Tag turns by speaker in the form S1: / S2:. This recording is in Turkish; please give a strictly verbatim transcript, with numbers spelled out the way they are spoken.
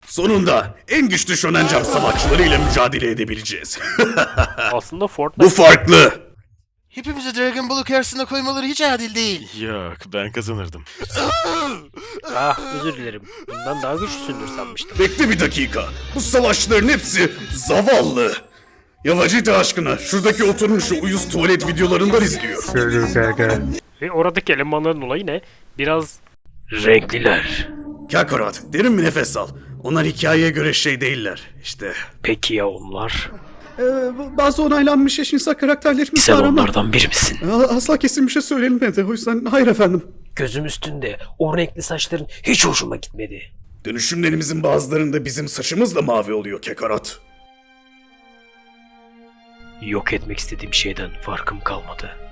S1: Sonunda en güçlü Shonen Jump savaşçılarıyla mücadele edebileceğiz.
S2: Aslında Fortnite...
S1: Bu farklı.
S3: Hepimizi Dragon Ball'u karşısına koymaları hiç adil değil.
S4: Yok, ben kazanırdım.
S2: Ah, özür dilerim. Bundan daha güçlüsündür sanmıştım.
S1: Bekle bir dakika. Bu savaşçıların hepsi zavallı. Ya Vegeta aşkına şuradaki oturmuş o uyuz tuvalet videolarından izliyor.
S2: Ve oradaki elemanların olayı ne? Biraz... Renkliler.
S1: Kakarot, derin bir nefes al. Onlar hikayeye göre şey değiller. İşte.
S2: Peki ya onlar?
S1: Ee, bazı onaylanmış eşcinsel karakterlerimiz
S2: Sen
S1: var ama...
S2: onlardan biri misin?
S1: Asla kesin bir şey söylenmedi. O yüzden hayır efendim.
S2: Gözüm üstünde. O renkli saçların hiç hoşuma gitmedi.
S1: Dönüşümlerimizin bazılarında bizim saçımız da mavi oluyor Kakarot.
S2: Yok etmek istediğim şeyden farkım kalmadı.